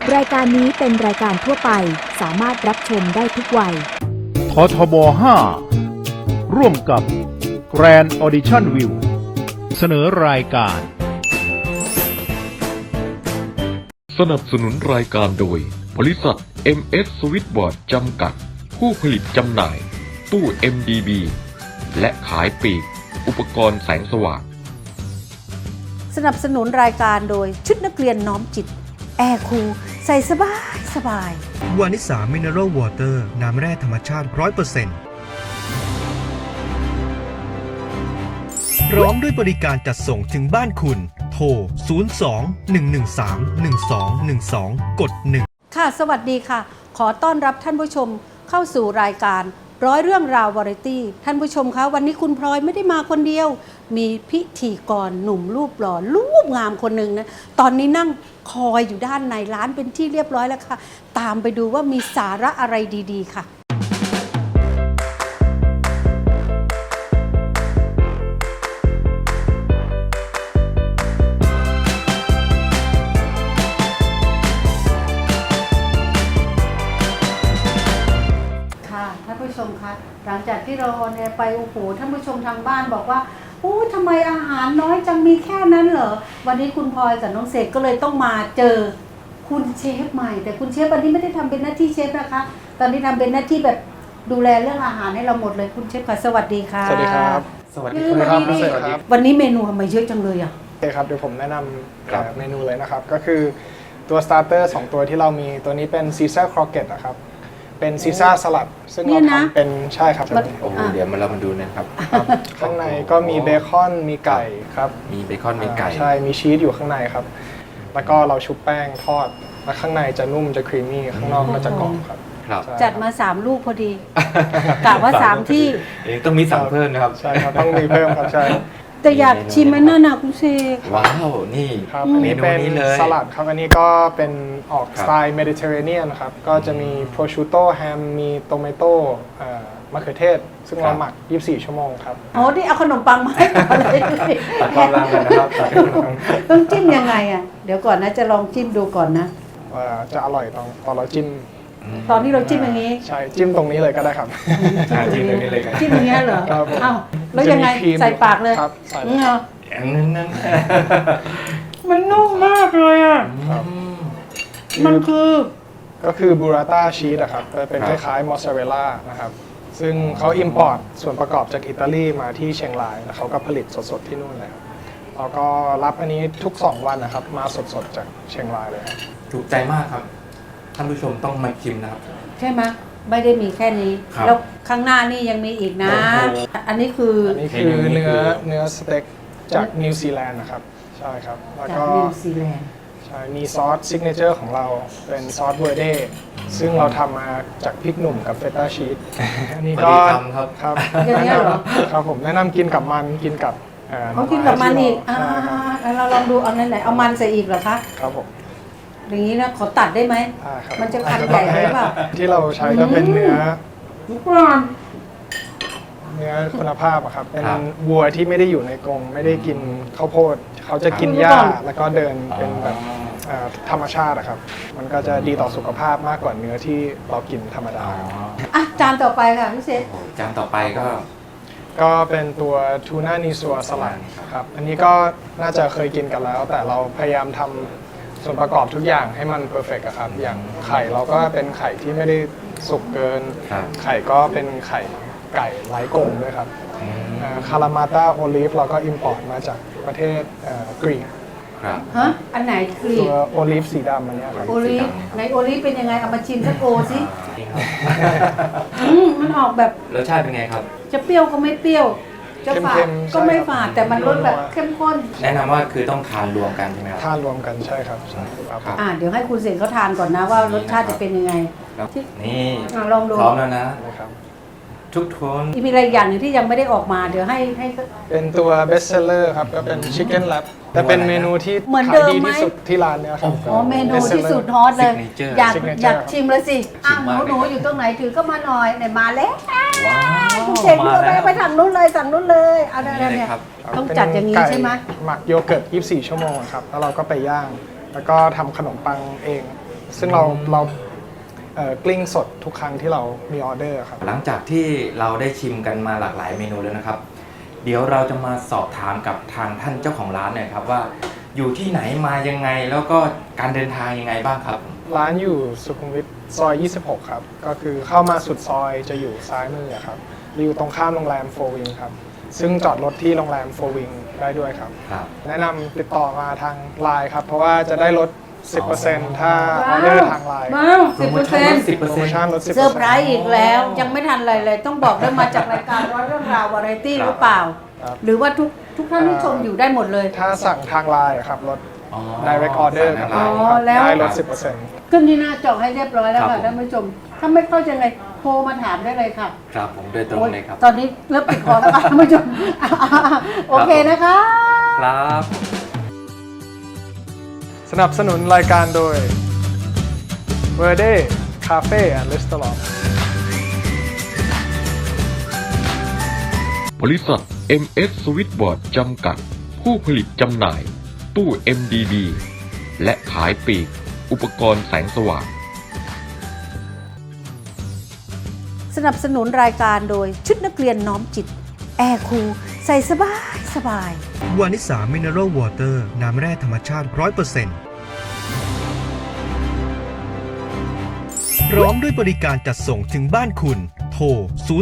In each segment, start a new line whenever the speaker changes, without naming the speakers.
รายการนี้เป็นรายการทั่วไปสามารถรับชมได้ทุกวัย
ททบ 5 ร่วมกับ Grand Audition View เสนอรายการ
สนับสนุนรายการโดยบริษัท MS Switchboard จำกัดผู้ผลิตจำหน่ายตู้ MDB และขายปลีกอุปกรณ์แสงสว่าง
สนับสนุนรายการโดยชุดนักเรียนน้อมจิตแอร์คูลใส่สบายสบายว
านิสามิเนอรัลวอเตอร์น้ำแร่ธรรมชาติ 100%พร้อมด้วยบริการจัดส่งถึงบ้านคุณโทร 02-113-1212 กด 1
ค่ะสวัสดีค่ะขอต้อนรับท่านผู้ชมเข้าสู่รายการร้อยเรื่องราววาไรตี้ท่านผู้ชมคะวันนี้คุณพลอยไม่ได้มาคนเดียวมีพิธีกรหนุ่มรูปหล่อรูปงามคนหนึ่งนะตอนนี้นั่งคอยอยู่ด้านในร้านเป็นที่เรียบร้อยแล้วค่ะตามไปดูว่ามีสาระอะไรดีๆค่ะท่านผู้ชมคะหลังจากที่เราออนแอร์ไปโอ้โหท่านผู้ชมทางบ้านบอกว่าโอ้ทำไมอาหารน้อยจังมีแค่นั้นเหรอวันนี้คุณพลอยกับน้องเสกก็เลยต้องมาเจอคุณเชฟใหม่แต่คุณเชฟวันนี้ไม่ได้ทำเป็นหน้าที่เชฟนะคะตอนนี้ทำเป็นหน้าที่แบบดูแลเรื่องอาหารให้เราหมดเลยคุณเชฟค่ะสวัสดีค่ะ
สวัสดีครับสวัสดีครับสวัสดีครับ
วันนี้เมนูทำไมเยอะจังเลยอ่ะ
โอเคครับเดี๋ยวผมแนะนำเมนูเลยนะครับก็คือตัวสตาร์เตอร์2ตัวที่เรามีตัวนี้เป็นซีซ่าครอเกตนะครับเป็นซีซ่าสลัดซึ่งเราทำเป็นใช่ครับ
โอ้โหเดี๋ยวเรามาดูนะครับ
ข้างในก็มีเบคอนมีไก่ครับ
มีเบคอนมีไก่
ใช่มีชีสอยู่ข้างในครับแล้วก็เราชุบแป้งทอดแล้วข้างในจะนุ่มจะครีมมี่ข้างนอกก็จะกรอบครับ
จัดมา3ลูกพอดีกะว่า3ที่
ต้องมีสั่งเพิ่มนะครับ
ใช่ครับต้องมีเพิ่มครับใช่
แต่อยากชิมมันน่าหนักคุณเชฟ
ว้าวนี่
ครับอันนี้เป็นสลัดครับอันนี้ก็เป็นออกสไตล์เมดิเตอร์เรเนียนครับก็จะมีโปรชูโต้แฮมมีโตเมโต้มะเขือเทศซึ่งเราหมัก24ชั่วโมงครับ
โอ้ที่เอาขนมปังมาให้ก่อนเลย
ตัดความรังกันนะครับ
ต้องจิ้มยังไงอ่ะเดี๋ยวก่อนนะจะลองจิ้มดูก่อนนะ
จะอร่อยตอนเราจิ้ม
ตอนที่เราจิ้มอย่างนี้
ใช่จิ้มตรงนี้เลยก็ได้ครับ
จิ้มตรงนี้เลย
จิ้มอย่างนี้เหรออ้าวแล้วยังไงใส่ปากเลย
ครับใส่
นั่น
มันนุ่มมากเลยอ่ะมัน
ก็คือบูราต้าชีสอะครับเป็นคล้ายๆมอสซาเรลล่านะครับซึ่งเขาอิมพอร์ตส่วนประกอบจากอิตาลีมาที่เชียงรายแล้วเขาก็ผลิตสดๆที่นู่นเลยครับแล้วก็รับอันนี้ทุก2วันนะครับมาสดๆจากเชียงรายเลยครับ
ถูกใจมากครับท่านผู้ชมต้องมาชิมนะครับ
ใช่ไหมไม่ได้มีแค่นี้แล้วข้างหน้านี่ยังมีอีกนะอันนี้คือ
เนื้อสเต็กจากนิวซีแลนด์นะครับใช่ครับแล้วก็
นิวซีแลนด์
ใช่มีซอสซิกเนเจอร์ของเราเป็นซอสเวอร์เดซึ่งเราทำมาจากพริกหนุ่มกับเฟต้าชีสอันนี้ก็
ครับ
อย่างนี้เหรอ
ครับผมแนะนำกินกับมันกินกับ
เขากินกับมันอีกเราลองดูเอาไหนเอามันใส่อีกเหรอคะ
ครับผม
อย่างนี้นะขอตัดได้ไหมมันจะคันใหญ่ไหมเปล่า
ที่เราใช้ก็เป็นเนื้อคุณภาพอะครับเป็นวัวที่ไม่ได้อยู่ในกรงไม่ได้กินข้าวโพดเขาจะกินหญ้าแล้วก็เดินเป็นแบบธรรมชาติอะครับมันก็จะดีต่อสุขภาพมากกว่าเนื้อที่เรากินธรรมดา
จานต่อไปค่ะพี่เซฟ
จานต่อไป
ก็เป็นตัวทูน่านีซัวสลัดครับอันนี้ก็น่าจะเคยกินกันแล้วแต่เราพยายามทำส่วนประกอบทุกอย่างให้มันเพอร์เฟกต์ครับอย่างไข่เราก็เป็นไข่ที่ไม่ได้สุกเกินไข่ก็เป็นไข่ไก่ไร้กรงด้วยครับคารามาต้าโอลิฟเราก็อิมพอร์ตมาจากประเทศกรีก
ฮะอันไหนกรีก
ตัวโอลิฟสีดำอันนี้ครับ
โอลิฟในโอลิฟเป็นยังไงเอามาชิมสักโอสิมันออกแบบ
รสชาติเป็นไงครับ
จะเปรี้ยวก็ไม่เปรี้ยวจะฝาดก็ไม่ฝาดแต่มันรสแบบเข้มข้น
แนะนำว่าคือต้องทานรวมกันใช่ไหมครับ
ทานรวมกันใช่ครับ
เดี๋ยวให้คุณเสกเขาทานก่อนนะว่ารสชาติจะเป็นยังไง
นี่
ลองดู
พร้อมแล้วนะทุกคน
มีอะไรอย่างหนึ่งที่ยังไม่ได้ออกมาเดี๋ยวให้
เป็นตัวเบสเซลเลอร์ครับก็เป็นชิคเก้นแรปแต่เป็นเมนูที่ขายดีที่สุดที่ร้านเนี่ยครับ
เมนูที่สุดฮอตเลยอยากชิมเลยสิหนูอยู่ตรงไหนถือก็มาหน่อยไหนมาแล้วคุณเสกไปทางนู้นเลยสั่งนู้นเลยเอาได้เนี่ยต้องจัดอย่างนี้ใช่ไหม
หมักโยเกิร์ต24ชั่วโมงครับแล้วเราก็ไปย่างแล้วก็ทำขนมปังเองซึ่งเรากลิ้งสดทุกครั้งที่เรามีออเดอร์ครับ
หลังจากที่เราได้ชิมกันมาหลากหลายเมนูแล้วนะครับ เดี๋ยวเราจะมาสอบถามกับทางท่านเจ้าของร้านหน่อยครับว่าอยู่ที่ไหนมายังไงแล้วก็การเดินทางยังไงบ้างครับ
ร้านอยู่สุขุมวิทซอย 26 ครับ ก็คือเข้ามาสุดซอยจะอยู่ซ้ายมือครับอยู่ตรงข้ามโรงแรมโฟวิงครับ ซึ่งจอดรถที่โรงแรมโฟวิงได้ด้วยครับ
ครับ
แนะนำติดต่อมาทางไลน์ครับ เพราะว่าจะได้ลด 10%ถ้าออเดอร์ทางไลน์
ว้าว
โปรโมชั่นลด
โปรโมชั่นลด 10%
เซอร์ไพรส์อีกแล้ว ยังไม่ทันอะไรเลย ต้องบอกได้มาจากรายการว่าเรื่องราววาไรตี้หรือเปล่า
ครับ
หรือว่าทุกท่านที่ชมอยู่ได้หมดเลย
ถ้าสั่งทางไลน์ครับลด
อ๋อ
direct order ครับ
สั่งทางไลน์
อ๋อแล้ว
ได้ลด 10%
ขึ้นที่หน้าจอให้เรียบร้อยแล้ว
ครั
ค่ะ
บผม
ท่านผู้ชม ถ้าไม่เข้าใจไงโทรมาถามได้เลยค่ะ
ครับผมโดยตรงเลยครับ
ตอนนี้เริ่มปิดคอแล้วค่ะท่านผู้ชมโอเคนะคะ
ครับ
สนับสนุนรายการโดย Verde Cafe and Restaurant
บริษัท MS Switchboard จำกัด ผู้ผลิตจำหน่าย ตู้ MDB และขายปลีก อุปกรณ์แสงสว่าง
สนับสนุนรายการโดยชุดนักเรียนน้อมจิต แอร์คูลใส่สบาย
วานิสามิเนอรัลวอเตอร์น้ำแร่ธรรมชาติ 100%พร้อมด้วยบริการจัดส่งถึงบ้านคุณ โทร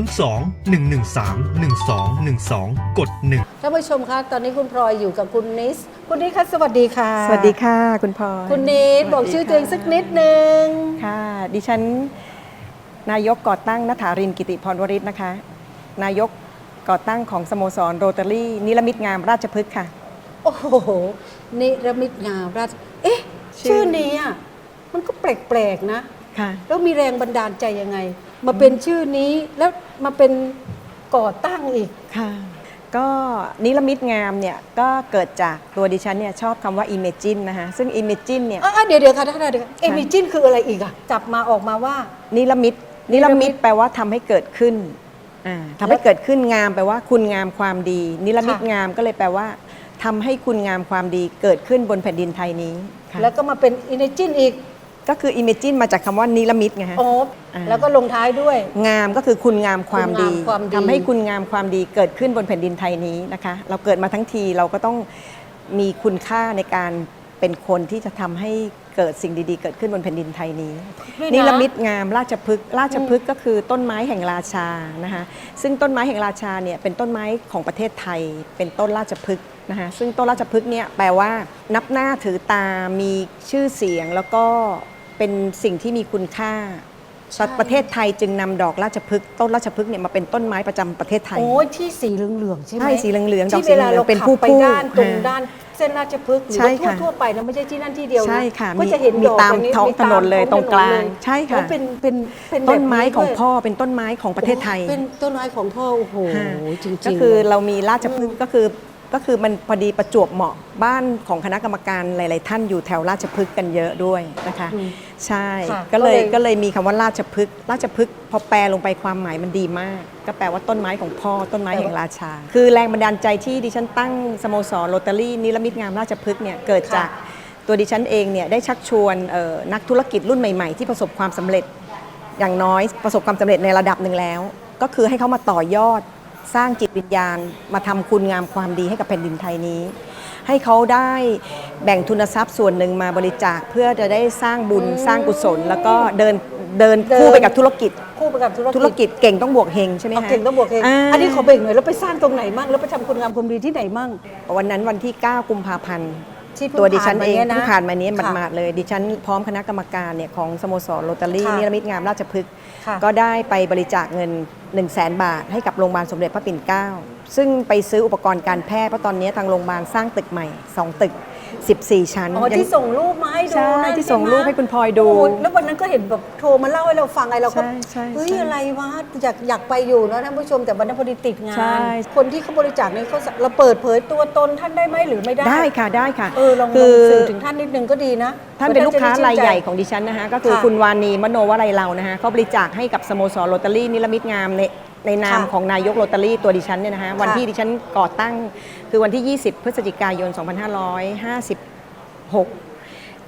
02-113-1212 กด 1
ท่านผู้ชมคะตอนนี้คุณพลอยอยู่กับคุณนิสคุณนิสคะสวัสดีค่ะ
สวัสดีค่ะคุณพลอย
คุณนิสบอกชื่อตัวเองสักนิดนึง
ค่ะ ดิฉันนายกก่อตั้งณฐารินกิติพรวริศนะคะ นายกก่อตั้งของสโมสรโรตารี่นิรมิตงามราชพฤกษ์ค่ะ
โอ้โหนิรมิตงามราชเอ๊ะ ชื่อนี้อ่ะมันก็แปลกๆนะ
ค่ะ
แล้วมีแรงบันดาลใจยังไง มาเป็นชื่อนี้แล้วมาเป็นก่อตั้งอีก
ค่ะ ก็นิรมิตงามเนี่ยก็เกิดจากตัวดิฉันเนี่ยชอบคำว่า Imagine นะคะซึ่ง Imagine เนี่ย
เดี๋ยวค่ะท่านเดี๋ยวเอมิจินคืออะไรอีกอ่ะจับมาออกมาว่า
นิรมิตแปลว่าทำให้เกิดขึ้นทำให้เกิดขึ้นงามแปลว่าคุณงามความดี นิรมิต
ค่ะ
งามก็เลยแปลว่าทำให้คุณงามความดีเกิดขึ้นบนแผ่นดินไทยนี้ค่ะ
แล้วก็มาเป็นอินจินอีก
ก็คือ Imagine มาจากคำว่านิรมิตไงฮะ
โอ้แล้วก็ลงท้ายด้วย
งามก็คือคุณงามความดี
คุณงามความดี
ทำให้คุณงามความดีเกิดขึ้นบนแผ่นดินไทยนี้นะคะ เราเกิดมาทั้งทีเราก็ต้องมีคุณค่าในการเป็นคนที่จะทำให้เกิดสิ่งดีๆ เกิดขึ้นบนแผ่นดินไทยนี้
ด้วยนะ
นิรมิตงามราชพฤกษ์ราชพฤกษ์ก็คือต้นไม้แห่งราชานะคะซึ่งต้นไม้แห่งราชาเนี่ยเป็นต้นไม้ของประเทศไทย เป็นต้นราชพฤกษ์นะคะซึ่งต้นราชพฤกษ์เนี่ยแปลว่านับหน้าถือตามีชื่อเสียงแล้วก็เป็นสิ่งที่มีคุณค่า
ใช่
ประเทศไทยจึงนำดอกราชพฤกษ์ต้นราชพฤกษ์เนี่ยมาเป็นต้นไม้ประจำประเทศไทย
โอ้ยที่สีเหลืองๆใช่ไหม
ใช่สีเหลืองๆดอก
ที่
สี
เว
เห
ลา
ลือ
เรา
งเป็น
ขับ
ผู้
ไป
ผู้
ด้านตรง
ค่ะ
ด้านเส้นราชพฤกษ์หรือ
ใช่
ว่า
ค่ะ
ทั่วๆไปนะไม่ใช่ที่นั่นที่เดียวนะ
ใช่ค่ะ
ก็จะเห็น
มี
ดอก
ตาม
ย่นี้
ท้อง
มี
ถนนเลย
ท้
ตรงกลาง
ถนนเลย
ใช่ค่ะ
โอ้เป็น
ต้นไม้ของ
แบบ
พ่อเป็นต้นไม้ของประเทศไทย
เป็นต้นไม้ของพ่อโอ้โห
ค่ะ
จริงๆ
ก็คือ
เลย
เรามีราชพฤกษ์ก็คือมันพอดีประจวบเหมาะบ้านของคณะกรรมการหลาย ๆ ท่านอยู่แถวราชพฤกษ์กันเยอะด้วยนะคะ ใช่
ค่ะ
ก็เลย
ก็เลย
ก็เลยมีคำว่าราชพฤกษ์ราชพฤกษ์พอแปลลงไปความหมายมันดีมาก ก็แปลว่าต้นไม้ของพ่อต้นไม้แห่งราชา คือแรงบันดาลใจที่ดิฉันตั้งสโมสรโรตารี่นิรมิตงามราชพฤกษ์เนี่ยเกิดจากตัวดิฉันเองเนี่ยได้ชักชวนนักธุรกิจรุ่นใหม่ ๆ ที่ประสบความสำเร็จอย่างน้อยประสบความสำเร็จในระดับหนึ่งแล้ว ก็คือให้เขามาต่อยอดสร้างจิตวิญญาณมาทำคุณงามความดีให้กับแผ่นดินไทยนี้ ให้เขาได้แบ่งทุนทรัพย์ส่วนหนึ่งมาบริจาคเพื่อจะได้สร้างบุญสร้างกุศล แล้วก็เดินคู่ไปกับธุรกิจ
คู่ไปกับ
ธุรกิจเก่งต้องบวกเฮงใช่ไหม
เอา
คะ
เก่งต้องบวกเองอันนี้ขอเบรกหน่อยแล้วไปสร้างตรงไหนมั่งแล้วไปทำคุณงามความดีที่ไหนมั่ง
วันนั้นวันที่ 9 กุมภาพันธ์
ที่เพิ่ง
ตัวดิฉัน
ผ่านมา
เอง
เนี่ยนะ
เพิ่งผ่านมานี้
ค่ะ
หมาดๆเลย ดิฉันพร้อมคณะกรรมการเนี่ยของสโมสรโรตารี่
ค่ะ
นิรมิตงามราชพฤกษ์
ค่ะ
ก็ได้ไปบริจาคเงิน 100,000 บาทให้กับโรงพยาบาลสมเด็จพระปิ่นเกล้าซึ่งไปซื้ออุปกรณ์การแพทย์เพราะตอนนี้ทางโรงพยาบาลสร้างตึกใหม่ 2 ตึก 14 ชั้น
อ๋อที่ส่งรูปมาให้ดู
ใช่
นั่น
ที่ส่ง
ช่ไม
รูปให้คุณพลอยดู
โแล้ววันนั้นก็เห็นแบบโทรมาเล่าให้เราฟังไงเราก็
ใช่
เฮ้ย
ใช่
อะไรวะอยากไปอยู่นะท่านผู้ชมแต่วันนั้นพอดีติดงา
ใช่
น คนที่เขาบริจาคเนี่ยเขาเราเปิดเผยตัวตนท่านได้ไหมหรือไม่ได้
ได้ค่ะได้ค่ะ
ลอง
คือ
สื่อถึงท่านนิดนึงก็ดีนะ
ท่านเป็นลูกค้า
จะได้
รายใหญ่
ชื่นใจ
ของดิฉันนะคะก็คือ
ค่ะ
คุณวานีมโนวลัยเรานะคะเขาบริจาคให้กับสโมสรโรตารี่นิรมิตงามในนาม
ค่ะ
ของนายกโรตารี่ตัวดิฉันเนี่ยนะคะวันที่ดิฉันก่อตั้งคือวันที่ 20 พฤศจิกายน 2556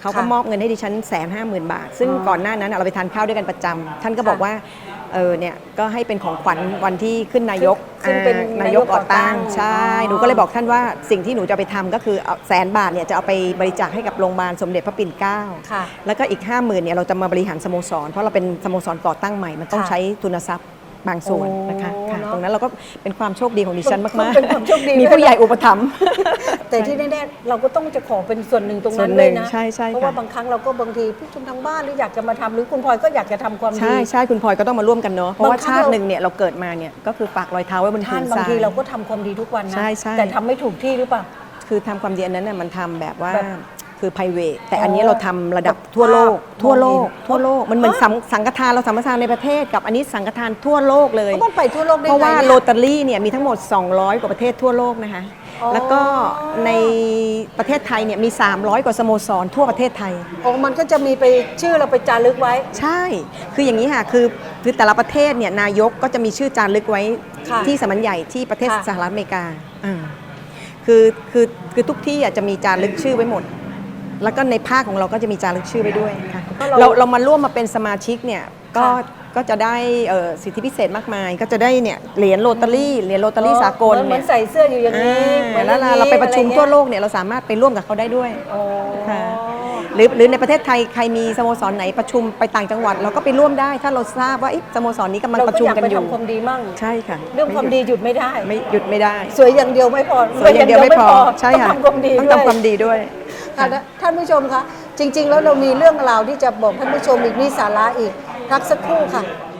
เขาก็มอบเงินให้ดิฉัน150,000 บาท ซึ่งก่อนหน้านั้นเราไปทานข้าวด้วยกันประจำท่านก็บอกว่าเนี่ยก็ให้เป็นของขวัญวันที่ขึ้นนายก
ซึ่งเป็น
นายกก่อตั้ง
นายกก่อตั้ง
ใช่หนูก็เลยบอกท่านว่าสิ่งที่หนูจะไปทำก็คือเอา100,000 บาทเนี่ยจะเอาไปบริจาคให้กับโรงพยาบาลสมเด็จพระปิ่นเกล้า
ค่ะ
แล้วก็อีก 50,000เนี่ยเราจะมาบริหารสโมสรเพราะเราเป็นสโมสรก่อตั้งใหม่มันต้อง
ค่ะ
ใช้ทุนทรัพย์บางส่วนนะคะ
โอ้
ค่ะ
เนอะ
ตรงนั้นเราก็เป็นความโชคดีของดิฉันมากๆ
เป็นความโชคดี
มีผู้ใหญ่อุปถัมภ์
แต่ที่แน่ๆเราก็ต้องจะขอเป็นส่วนหนึ่งตรง
ส่
นั้
วน น
เล
หนึ่
ย
ง
นะ
ใช่ใช่
เพราะว่า
ค่ะ
บางครั้งเราก็บางทีผู้ชมทางบ้านหรืออยากจะมาทำหรือคุณพลอยก็อยากจะทำความดี
ใช่ใช่คุณพลอยก็ต้องมาร่วมกันเนาะเพราะว่า
บางครั้ง
ชาติหนึ่งเนี่ยเราเกิดมาเนี่ยก็คือฝากรอยเท้าไว้บน
ท่า
พื้
น
น
บา
ทราย
งทีเราก็ทำความดีทุกวันนะ
ใช่ใช่
แต่ทำไม่ถูกที่หรือเปล่า
คือทำความดีอันนั้นน่ะมันทำแบบว่า
แบบ
คือ private แต่อันนี้เราทำระดับทั่วโลก
แบบ
ทั่วโลก
มองเห็น
ทั่วโลกมันเหมือนสังฆทานเราสังฆทานในประเทศกับอันนี้สังฆทานทั่วโลกเลย
เพราะมันไปทั่วโลกได้
เพราะ
ไง
ว่า
เนี่ย
โรตารี่เนี่ยมีทั้งหมด 200 กว่าประเทศทั่วโลกนะคะ
อ๋อ
แล้วก็ในประเทศไทยเนี่ยมี 300 กว่าสโมสรทั่วประเทศไทย
โอ้มันก็จะมีไปชื่อเราไปจารึกไว้
ใช่ คืออย่างนี้ค่ะ คือแต่ละประเทศเนี่ยนายกก็จะมีชื่อจารึกไว้
ค่ะ
ที่สำนักใหญ่ที่ประเทศ
ค่ะ
สหรัฐอเมริกาอ่าคือทุกที่อ่ะจะมีจารึกชื่อไว้หมด แล้วก็ในภาคของเราก็จะมีจารึกชื่อไว้ด้วยค่ะ
ก็เรา
เรามาร่วมมาเป็นสมาชิกเนี่ยก็
ค่ะ
ก็จะได้สิทธิพิเศษมากมาย ก็จะได้เนี่ยเหรียญโรตารี่สากล
เหมื
เนี่
อย นใส่เสื้ออยู่อย่างนี้
อ่าแล้วเราไปประชุมทั่วโลกเนี่ยเราสามารถไปร่วมกับเขาได้ด้วย
โอ้
ค่ะหรือในประเทศไทยใครมีสโมสรไหนประชุมไปต่างจังหวัด เราก็ไปร่วมได้ถ้าเราทราบว่าสโมสรนี้กำลัง
เรา
ประ
ก็
ชุม
อยาก
กัน
ไป
อยู่
ทำความดีมั่ง
ใช่ค่ะ
เรื่องความดีหยุดไม่ได้
ไม่หยุดไม่ได้
สวยอย่างเดียวไม่พอ
สวยอย่างเดียวไม่พอใช่
ต้อง
ค่ะ
ทำความดี
ต้อง
ด้วย
ทำความดีด้วย
ค่ะท่านผู้ชมคะจริง ๆ แล้วเรามีเรื่องราวที่จะบอกท่านผู้ชมอีกมีสาระอีกพักสักครู่ค่ะ